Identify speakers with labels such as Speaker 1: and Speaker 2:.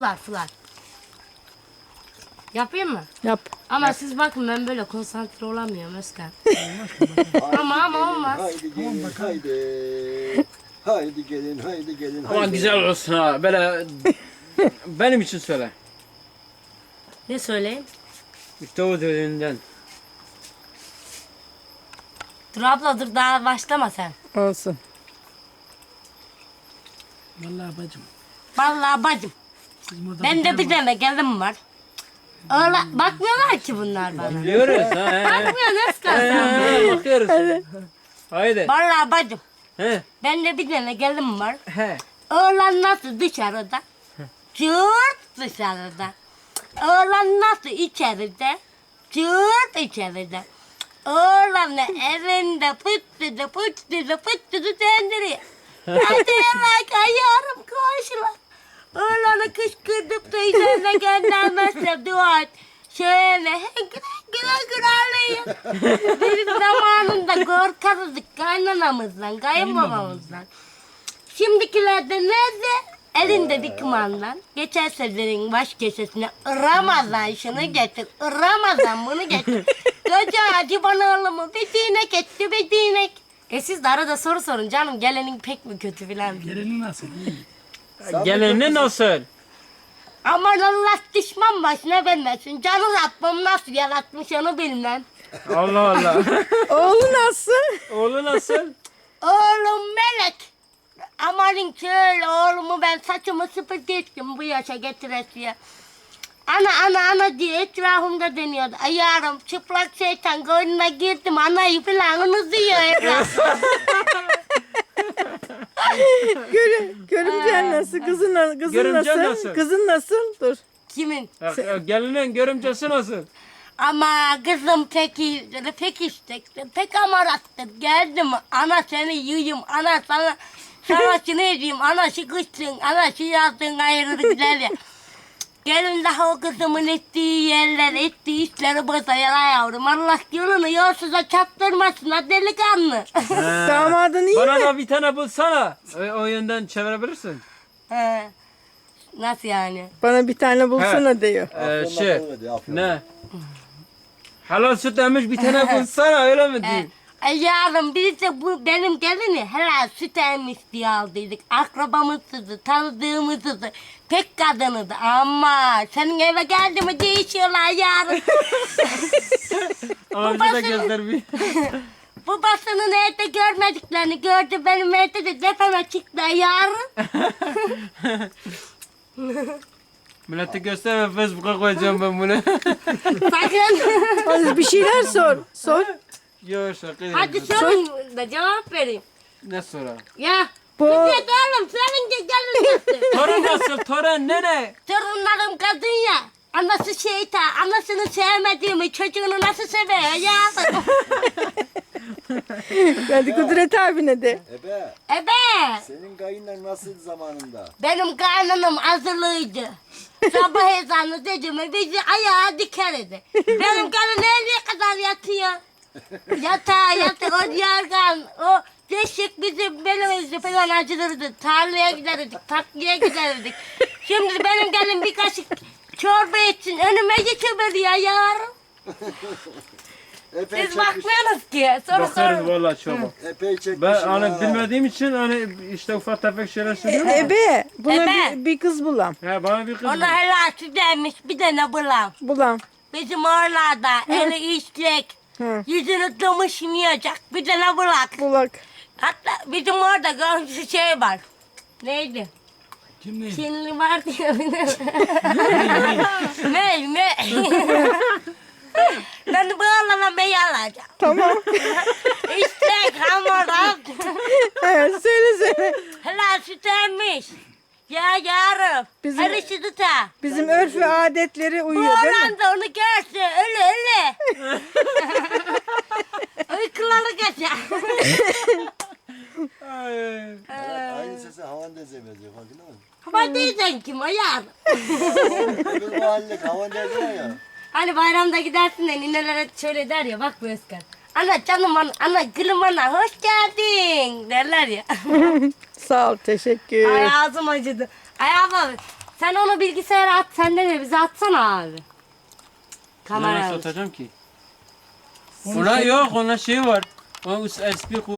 Speaker 1: Fılar. Yapayım mı?
Speaker 2: Yap.
Speaker 1: Ama siz bakın ben böyle konsantre olamıyorum Özkan. ama olmaz.
Speaker 3: Haydi gelin haydi. Haydi gelin haydi gelin.
Speaker 4: Aman
Speaker 3: haydi.
Speaker 4: güzel olsun ha. Böyle benim için söyle.
Speaker 1: Ne söyleyeyim?
Speaker 4: İşte o dediğinden.
Speaker 1: Dur abla dur daha başlama sen.
Speaker 2: Olsun.
Speaker 1: Vallahi bacım. Ben de bir tane gelin var. Öyle bakmıyorlar ki bunlar bana.
Speaker 4: Biliyoruz ha.
Speaker 1: Bakmıyor Özkan sen.
Speaker 4: Bakıyoruz. Haydi.
Speaker 1: Vallahi bacım.
Speaker 4: He.
Speaker 1: Ben de bir tane gelin var.
Speaker 4: He.
Speaker 1: Oğlan nasıl dışarıda? Cırt dışarıda. Oğlan nasıl içeride? Cırt içeride. Oğlan da evinde pıttıdı döndürüyor. Hadi yalak ayarım koşular. Oğlanı kışkırtıp da üzerine göndermezse dua et. Şöyle güle ağlayın. Bizim zamanında korkarızdık kaynanamızdan, kayınbabamızdan. Şimdikilerde nerede? Elinde bir kumandan. Geçen seferin baş köşesine Ramazan şunu getir, Ramazan bunu getir. Koca acı bana oğlumu bir dinek etti, bir dinek. Siz de arada soru sorun canım, gelenin pek mi kötü filan.
Speaker 5: Geleni nasıl?
Speaker 4: Gelini nasıl?
Speaker 1: Aman Allah düşman başına vermesin. Canı Rabbim nasıl yaratmış onu bilmem.
Speaker 4: Allah Allah.
Speaker 2: Oğlu nasıl?
Speaker 4: Oğlu nasıl?
Speaker 1: Oğlum melek. Amanın şöyle oğlumu ben saçımı süpürgettim bu yaşa getiresiye. Ana diye etrafımda deniyordu. Ayarım çıplak şeytan koynuna girdim anayı falan unutuyor etrafım.
Speaker 2: Görümcen nasıl? Kızın
Speaker 4: Görümcen
Speaker 2: nasıl?
Speaker 4: nasıl?
Speaker 2: Kızın nasıl? Dur.
Speaker 1: Kimin?
Speaker 4: Gelinin görümcesi nasıl?
Speaker 1: Ama kızım pek iyidir, pek istekli, pek amarattır. Geldim ana seni yiyeyim, ana sana şunu edeyim, ana şu kışsın, ana şu yazsın ayrı güzel ya. Gelin daha o kızımın ettiği yerler, ettiği işleri bozayala yavrum. Allah yolunu yolsuza çaptırmasın ha delikanlı.
Speaker 2: Damadın iyi
Speaker 4: Bana
Speaker 2: mi?
Speaker 4: da bir tane bulsana. O yönden çevirebilirsin.
Speaker 1: He. Nasıl yani?
Speaker 2: Bana bir tane bulsana diyor.
Speaker 3: Afyon'dan
Speaker 4: Şey.
Speaker 3: öyle, Afyon'dan.
Speaker 4: Ne? Helal süt emmiş bir tane bulsana öyle mi diyeyim?
Speaker 1: Ay yavrum biz de bu benim gelini helal süt emmiş diye aldıydık. Akrabamızdı, tanıdığımızdı. Pek kadınıydı ama senin eve geldi mi değişiyorlar yarın.
Speaker 4: Ama bize de göster bir.
Speaker 1: Babasının evde görmediklerini gördü benim evde de tepeme çıktı yarın.
Speaker 4: Millete gösterme Facebook'a koyacağım ben bunu.
Speaker 1: Sakın.
Speaker 2: Hadi bir şeyler sor. Sor.
Speaker 4: Yok şaka
Speaker 1: Hadi
Speaker 4: yapıyorum.
Speaker 1: sorun da cevap vereyim.
Speaker 4: Ne sonra?
Speaker 1: Ya.
Speaker 2: Bu
Speaker 1: Git oğlum senin de gelin nasıl?
Speaker 4: Torun nasıl? Torun nene?
Speaker 1: Torunlarım kadın ya. Anası şeytan, anasını sevmediğimi çocuğunu nasıl seviyor ya?
Speaker 2: hadi Kudret abine de.
Speaker 3: Ebe
Speaker 1: Ebe,
Speaker 3: senin kayınlar nasıl zamanında?
Speaker 1: benim kaynanam hazırlıydı. Sabah ezanı dedi mi bizi ayağa dikerdi. Benim karım nereye kadar yatıyor? Yatıyor, o yargan, o deşik bizim belimizi falan acılırdı. Tarlaya giderdik, tatlıya giderdik. Şimdi benim gelin bir kaşık çorba için önüme geçiveriyor yavrum.
Speaker 3: Epey
Speaker 1: Siz
Speaker 3: çekmiş.
Speaker 1: bakmıyorsunuz ki. Soru
Speaker 4: Bakarız
Speaker 1: sorun.
Speaker 4: valla çok.
Speaker 3: Epey çekmiş.
Speaker 4: Ben hani bilmediğim için hani işte ufak tefek şeyler söylüyorum.
Speaker 2: Ebe. Buna
Speaker 1: Ebe.
Speaker 2: bir kız bulam.
Speaker 4: He bana bir kız
Speaker 1: Ona helal süt emmiş bir tane bulam.
Speaker 2: Bulam.
Speaker 1: Bizim oralarda eli işlek,
Speaker 2: Hı.
Speaker 1: yüzünü tımışmayacak bir tane bulak.
Speaker 2: Bulak.
Speaker 1: Hatta bizim orada komşu şey var. Neydi?
Speaker 5: Kim ne?
Speaker 1: Çinli var diye ne? Ben bu oğlana bey alacağım.
Speaker 2: Tamam.
Speaker 1: İşlek hamur
Speaker 2: Evet, söyle.
Speaker 1: helal süt emmiş. Ya yarım.
Speaker 2: Bizim-
Speaker 1: Her işi tuta.
Speaker 2: Bizim örf ve adetleri
Speaker 1: Bu
Speaker 2: uyuyor değil mi?
Speaker 1: oğlan da onu görse öyle. Uykuları kaçar.
Speaker 3: Aynı sesi havan deze benziyor farkında mısın?
Speaker 1: Ama diyeceksin kim o yarım?
Speaker 3: Öbür mahalle havan deze var ya.
Speaker 1: Hani bayramda gidersin de ninelere şöyle der ya bak bu Özkan. Ana canım ana gülüm ana hoş geldin derler ya.
Speaker 2: Sağ ol, teşekkür.
Speaker 1: Ay ağzım acıdı. Ay abla Sen onu bilgisayara at, sen de bize atsana abi.
Speaker 4: Nasıl
Speaker 1: Kamera.
Speaker 4: atacağım ki? Ona yok, ona şey var. Ona USB